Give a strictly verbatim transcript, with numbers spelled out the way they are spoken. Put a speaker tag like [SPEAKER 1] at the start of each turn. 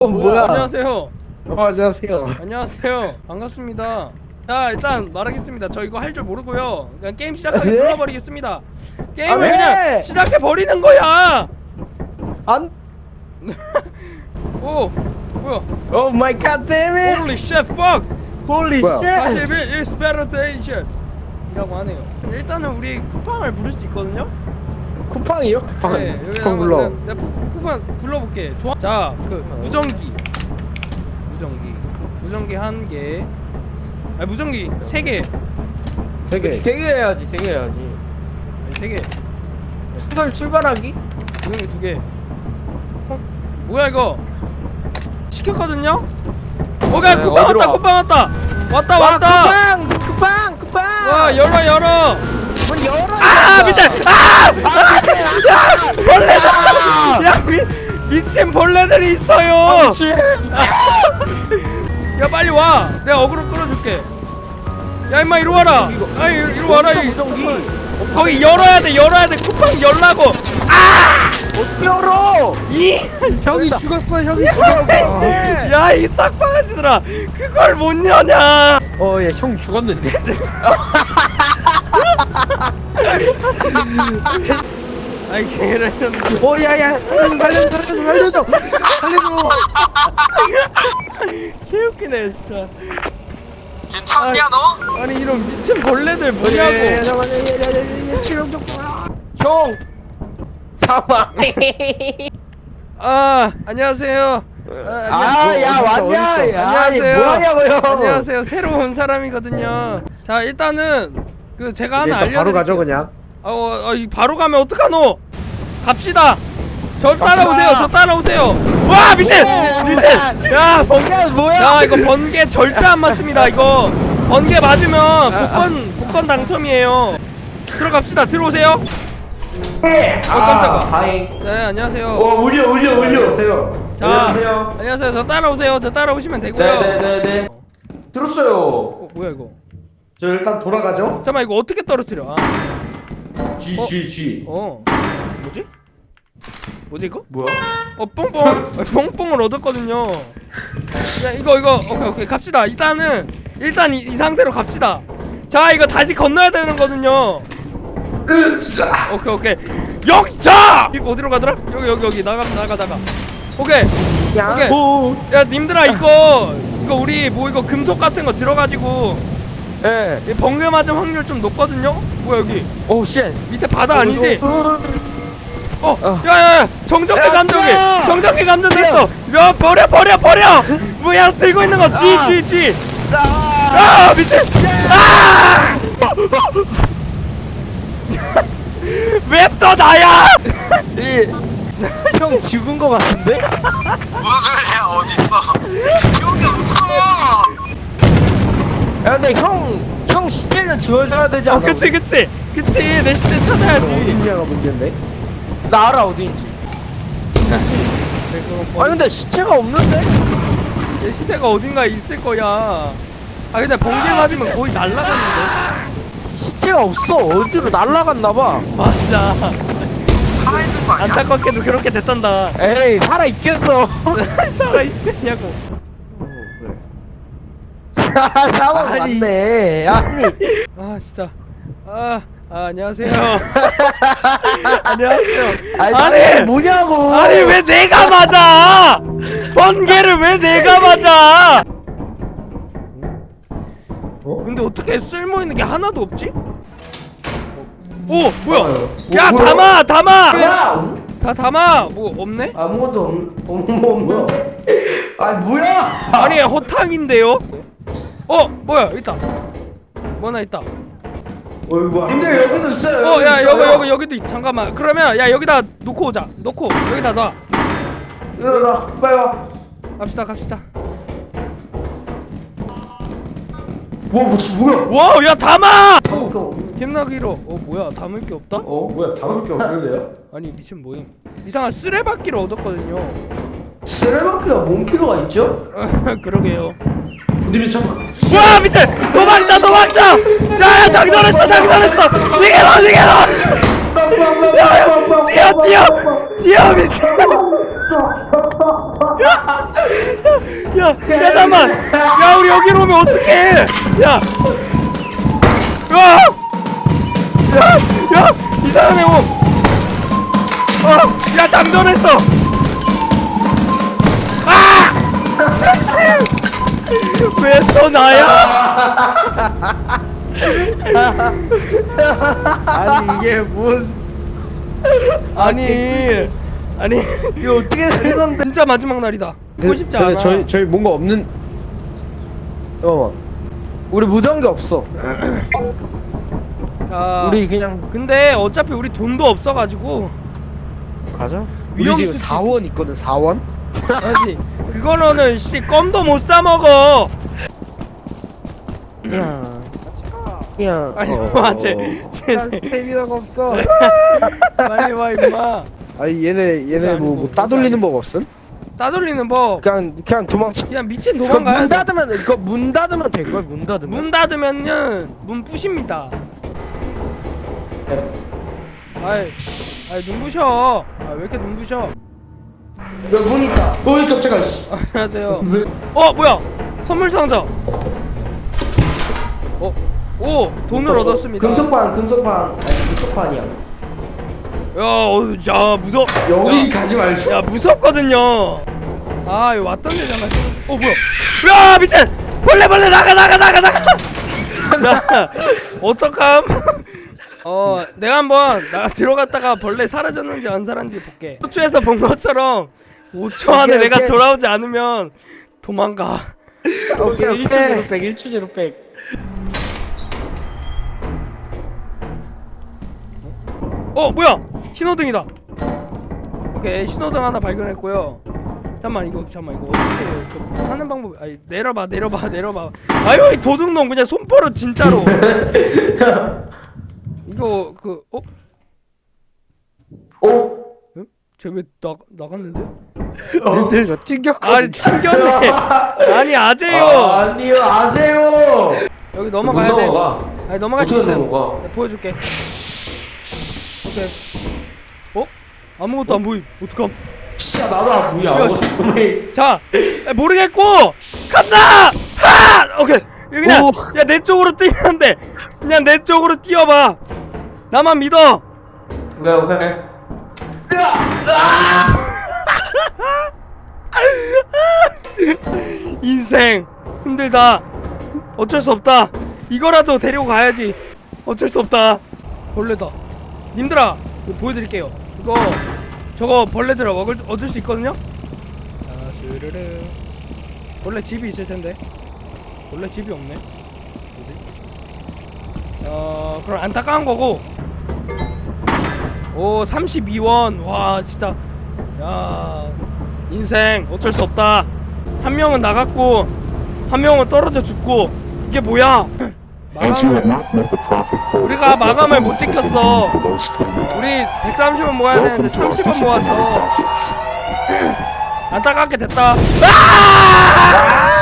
[SPEAKER 1] 어 뭐야?
[SPEAKER 2] 안녕하세요.
[SPEAKER 1] 어 안녕하세요.
[SPEAKER 2] 안녕하세요. 반갑습니다. 자 일단 말하겠습니다. 저 이거 할 줄 모르고요. 그냥 게임 시작하게
[SPEAKER 1] 네?
[SPEAKER 2] 눌러버리겠습니다. 게임을
[SPEAKER 1] 아, 왜?
[SPEAKER 2] 그냥 시작해 버리는 거야.
[SPEAKER 1] 안.
[SPEAKER 2] 오 뭐야?
[SPEAKER 1] 오 마이 갓 데밋.
[SPEAKER 2] Holy shit fuck.
[SPEAKER 1] 홀리
[SPEAKER 2] 사십일
[SPEAKER 1] 쉣.
[SPEAKER 2] expectation 이라고 하네요. 일단은 우리 쿠팡을 부를 수 있거든요.
[SPEAKER 1] 쿠팡이요? 쿠팡.
[SPEAKER 2] 네, 여기
[SPEAKER 1] 쿠팡
[SPEAKER 2] 한번
[SPEAKER 1] 불러.
[SPEAKER 2] 내가, 내가 쿠- 쿠팡 불러볼게. 좋아. 자, 그 무전기, 무전기, 무전기 한 개. 아니 무전기 세 개.
[SPEAKER 1] 세 개.
[SPEAKER 3] 세 개 해야지, 세 개 해야지.
[SPEAKER 2] 아니 세 개.
[SPEAKER 3] 설 출발하기?
[SPEAKER 2] 무전기 두 개. 어? 뭐야 이거? 시켰거든요. 오케이
[SPEAKER 3] 네,
[SPEAKER 2] 쿠팡
[SPEAKER 3] 어디로
[SPEAKER 2] 왔다.
[SPEAKER 3] 와?
[SPEAKER 2] 쿠팡 왔다. 왔다
[SPEAKER 3] 와,
[SPEAKER 2] 왔다.
[SPEAKER 3] 쿠팡! 쿠팡! 쿠팡!
[SPEAKER 2] 와 열어 열어.
[SPEAKER 3] 문 열어!
[SPEAKER 2] 아 밑에 아! 야 벌레다! 야 미, 미친 벌레들이 있어요. 야 빨리 와. 내가 어그로 끌어줄게. 야 임마 이리 와라. 아 이리, 이리 와라. 이,
[SPEAKER 3] 무전기!
[SPEAKER 2] 거기 열어야 돼 열어야 돼. 쿠팡 열라고. 아!
[SPEAKER 3] 못 열어!
[SPEAKER 2] 이
[SPEAKER 1] 형이 죽었어. 형이 죽었어.
[SPEAKER 2] 야 이 싹바가지들아 그걸 못 여냐.
[SPEAKER 1] 어, 예, 형 죽었는데.
[SPEAKER 2] 아이 개를
[SPEAKER 1] 어, 야, 야, 살려줘, 살려줘, 살려줘, 살려줘.
[SPEAKER 2] 개웃기네 진짜.
[SPEAKER 4] 괜찮냐 너?
[SPEAKER 2] 아니 이런 미친 벌레들
[SPEAKER 1] 예,
[SPEAKER 2] 뭐냐고.
[SPEAKER 1] 잠깐만, 예, 예, 예, 예, 치료 좀.
[SPEAKER 3] 형! 사망!
[SPEAKER 2] 아 안녕하세요.
[SPEAKER 3] 아, 야, 왔냐? 야, 아니,
[SPEAKER 2] 안녕하세요.
[SPEAKER 3] 뭐하냐고요?
[SPEAKER 2] 안녕하세요. 새로 온 사람이거든요. 자 일단은 그 제가 하나 알려드릴게요.
[SPEAKER 1] 바로 가죠 그냥.
[SPEAKER 2] 아, 어, 어, 이 바로 가면 어떡하노? 갑시다. 저
[SPEAKER 3] 갑시다.
[SPEAKER 2] 따라오세요. 저 따라오세요. 와 밑에 밑에. 야 번.
[SPEAKER 3] 야, 뭐야?
[SPEAKER 2] 야 이거 번개 절대 안 맞습니다. 이거 번개 맞으면 복권 복권 당첨이에요. 들어갑시다. 들어오세요. 어 깜짝아.
[SPEAKER 3] 다행.
[SPEAKER 2] 네 안녕하세요.
[SPEAKER 3] 어, 울려, 울려, 울려.
[SPEAKER 1] 안녕하세요.
[SPEAKER 2] 자,
[SPEAKER 3] 안녕하세요.
[SPEAKER 2] 안녕하세요. 저 따라오세요. 저 따라오시면 되고요.
[SPEAKER 3] 네네네네. 들었어요.
[SPEAKER 2] 어, 뭐야 이거?
[SPEAKER 1] 저 일단 돌아가죠.
[SPEAKER 2] 잠깐만 이거 어떻게 떨어뜨려? 아,
[SPEAKER 3] G,
[SPEAKER 2] 어?
[SPEAKER 3] G, G.
[SPEAKER 2] 어, 뭐지? 뭐지 이거?
[SPEAKER 3] 뭐야?
[SPEAKER 2] 어, 뽕뽕, 어, 뽕뽕을 얻었거든요. 야 이거 이거 오케이 오케이 갑시다. 일단은 일단 이, 이 상태로 갑시다. 자 이거 다시 건너야 되는 거든요. 오케이 오케이 역차! 이거 어디로 가더라? 여기 여기 여기 나가 나가 나가. 오케이 오케이.
[SPEAKER 3] 오.
[SPEAKER 2] 야 님들아 이거 이거 우리 뭐 이거 금속 같은 거 들어가지고
[SPEAKER 3] 예.
[SPEAKER 2] 이 번개 맞을 확률 좀 높거든요? 뭐야 여기
[SPEAKER 3] 오, 쉣.
[SPEAKER 2] 밑에 바다 아니지? 어!
[SPEAKER 3] 어.
[SPEAKER 2] 야야야! 정전기
[SPEAKER 3] 야,
[SPEAKER 2] 감정기!
[SPEAKER 3] 야!
[SPEAKER 2] 정전기 감전됐어! 야 버려 버려 버려! 뭐야 들고 있는 거 G G G! 아 밑에! 아! 왜 또 나야!
[SPEAKER 3] 형 죽은 거 같은데?
[SPEAKER 4] 무슨 소리야 어딨어? 여기 없어.
[SPEAKER 3] 야, 근데 형, 형 시체는 지워줘야 되지
[SPEAKER 2] 어
[SPEAKER 3] 않아?
[SPEAKER 2] 그치 그치! 그치 내 시대 찾아야지.
[SPEAKER 1] 어딨냐가 문제인데.
[SPEAKER 3] 나 알아, 어디인지.
[SPEAKER 2] 네, 그거
[SPEAKER 3] 아니,
[SPEAKER 2] 버리-
[SPEAKER 3] 근데 시체가 없는데?
[SPEAKER 2] 내 시대가 어딘가에 있을 거야. 아 근데 번개 맞으면 거의 날라가는데.
[SPEAKER 3] 시체가 없어. 어디로 날라갔나봐.
[SPEAKER 2] 맞아.
[SPEAKER 4] 살아있는 거 아니야?
[SPEAKER 2] 안타깝게도 그렇게 됐단다.
[SPEAKER 3] 에이, 살아있겠어.
[SPEAKER 2] 살아있냐고.
[SPEAKER 3] 사망
[SPEAKER 1] 아니.
[SPEAKER 3] 맞네. 아니.
[SPEAKER 2] 아 진짜. 아, 아 안녕하세요. 안녕하세요.
[SPEAKER 1] 아니,
[SPEAKER 2] 아니
[SPEAKER 1] 뭐냐고.
[SPEAKER 2] 아니 왜 내가 맞아? 번개를 왜 내가 맞아?
[SPEAKER 1] 어?
[SPEAKER 2] 근데 어떻게 쓸모 있는 게 하나도 없지? 오 뭐야?
[SPEAKER 1] 어,
[SPEAKER 2] 야
[SPEAKER 1] 뭐야?
[SPEAKER 2] 담아 담아.
[SPEAKER 3] 야!
[SPEAKER 2] 다 담아. 뭐 없네?
[SPEAKER 3] 아무것도 없, 없는데?
[SPEAKER 1] 아니 뭐야?
[SPEAKER 2] 아니 허탕인데요? 어 뭐야 여기 있다. 뭐 하나 있다.
[SPEAKER 1] 근데 여기도 있어요.
[SPEAKER 2] 어 야 여기 여기 여기도 있. 잠깐만. 그러면 야 여기다 놓고 오자. 놓고 여기다 놔.
[SPEAKER 1] 나 빨리 와.
[SPEAKER 2] 갑시다 갑시다.
[SPEAKER 3] 뭐, 뭐, 뭐야?
[SPEAKER 2] 와우 야 담아!
[SPEAKER 3] 어,
[SPEAKER 2] 겜나기로. 어 뭐야 담을 게 없다?
[SPEAKER 3] 어? 뭐야? 담을 게 없는데요?
[SPEAKER 2] 아니 미친 뭐임. 이상한 쓰레받기를 얻었거든요.
[SPEAKER 1] 쓰레받기가 뭔 필요가 있죠?
[SPEAKER 2] 그러게요.
[SPEAKER 1] 님이 잠깐.
[SPEAKER 2] 와 미친! 도망쳐 도망쳐! 야야 장전했어 장전했어! 니게로 니게로! 뛰어 뛰어! 뛰어 미친! 야, 야 잠깐만. 야 우리 여기로 오면 어떡해? 야, 야, 야, 야 이상한 애 옴. 어, 야 장전했어. 아! 왜 또 나야?
[SPEAKER 1] 아니 이게 뭔
[SPEAKER 2] 아니, 아니
[SPEAKER 1] 이거 어떻게 된 건데?
[SPEAKER 2] 진짜 마지막 날이다. 보고 싶지 않아.
[SPEAKER 3] 근데 저희 저희 뭔가 없는. 잠깐만.
[SPEAKER 1] 우리 무전기 없어.
[SPEAKER 2] 자,
[SPEAKER 1] 우리 그냥
[SPEAKER 2] 근데 어차피 우리 돈도 없어가지고
[SPEAKER 1] 가자.
[SPEAKER 3] 우리
[SPEAKER 2] 위험
[SPEAKER 3] 지금
[SPEAKER 2] 수준.
[SPEAKER 3] 사 원 있거든. 사 원?
[SPEAKER 2] 아니 그거로는 씨 껌도 못 사 먹어.
[SPEAKER 1] 야, 야.
[SPEAKER 2] 아니
[SPEAKER 1] 어.
[SPEAKER 2] 와, 쟤, 쟤,
[SPEAKER 1] 스태미나가 없어.
[SPEAKER 2] 빨리 와 임마.
[SPEAKER 3] 아니 얘네 얘네
[SPEAKER 2] 아니고,
[SPEAKER 3] 뭐, 뭐 따돌리는 법 없음?
[SPEAKER 2] 따돌리는 법.
[SPEAKER 1] 그냥 그냥 도망쳐.
[SPEAKER 2] 그냥 미친
[SPEAKER 1] 그거
[SPEAKER 2] 도망가야
[SPEAKER 1] 문
[SPEAKER 2] 돼.
[SPEAKER 1] 닫으면 이거 문 닫으면 될 거야. 문 닫으면.
[SPEAKER 2] 문 닫으면은 문 부십니다. 아이, 아이 눈부셔. 아 왜 이렇게 눈부셔?
[SPEAKER 1] 여기 문 있다. 어이 깜짝아 씨.
[SPEAKER 2] 안녕하세요. 어 뭐야? 선물 상자. 어, 오 돈을 얻었습니다.
[SPEAKER 1] 금속판 금속판 아니 금속판이야.
[SPEAKER 2] 야, 어, 야 무섭.
[SPEAKER 1] 여기 가지 말자.
[SPEAKER 2] 야 무섭거든요. 아 이거 왔던 데잖아. 어 뭐야? 야 미친! 벌레 벌레 나가 나가 나가 나가. 야 어떡함? 어 내가 한번 나 들어갔다가 벌레 사라졌는지 안 사라졌는지 볼게. 호주에서 본 것처럼 오 초 안에
[SPEAKER 1] 오케이,
[SPEAKER 2] 내가
[SPEAKER 1] 오케이.
[SPEAKER 2] 돌아오지 않으면 도망가.
[SPEAKER 1] 오케이 오케이.
[SPEAKER 5] 백 일 초 제로 백.
[SPEAKER 2] 어 뭐야? 신호등이다. 오케이 신호등 하나 발견했고요. 잠깐만 이거 잠깐만 이거 어떻게 좀 하는 방법? 아니 내려봐 내려봐 내려봐. 아유 이 도둑놈 그냥 손버릇 진짜로. 이거 그 어?
[SPEAKER 1] 어?
[SPEAKER 2] 쟤 왜 나 나갔는데?
[SPEAKER 3] 니들 저 튕겼거든.
[SPEAKER 2] 아니 튕겼네. 아니 아재요.
[SPEAKER 1] 아니요 아세요.
[SPEAKER 2] 여기 넘어가야 돼. 아니 넘어갈 수 있어.
[SPEAKER 1] 넘어가?
[SPEAKER 2] 내가 보여줄게. 오케이. 어? 아무것도 안 보임. 어떡함?
[SPEAKER 1] 진짜 나도 안 보여.
[SPEAKER 2] 야, 지- 자, 야, 모르겠고 간다. 하! 오케이. 여기 그냥
[SPEAKER 1] 오.
[SPEAKER 2] 야 내 쪽으로 뛰면 돼. 그냥 내 쪽으로 뛰어봐. 나만 믿어.
[SPEAKER 1] 오케이 오케이.
[SPEAKER 2] 인생 힘들다. 어쩔 수 없다. 이거라도 데리고 가야지. 어쩔 수 없다. 벌레다. 님들아, 이거 보여드릴게요. 이거 저거 벌레들 먹을 얻을 수 있거든요. 자, 스르르. 원래 집이 있을 텐데. 원래 집이 없네. 뭐지? 어, 그럼 안타까운 거고. 오, 삼십이 원. 와, 진짜. 야, 인생 어쩔 수 없다. 한 명은 나갔고 한 명은 떨어져 죽고. 이게 뭐야? 마감을, 우리가 마감을 못 지켰어. 우리 백삼십 원 모아야 되는데 삼십 원 모았어. 안타깝게 됐다. 아!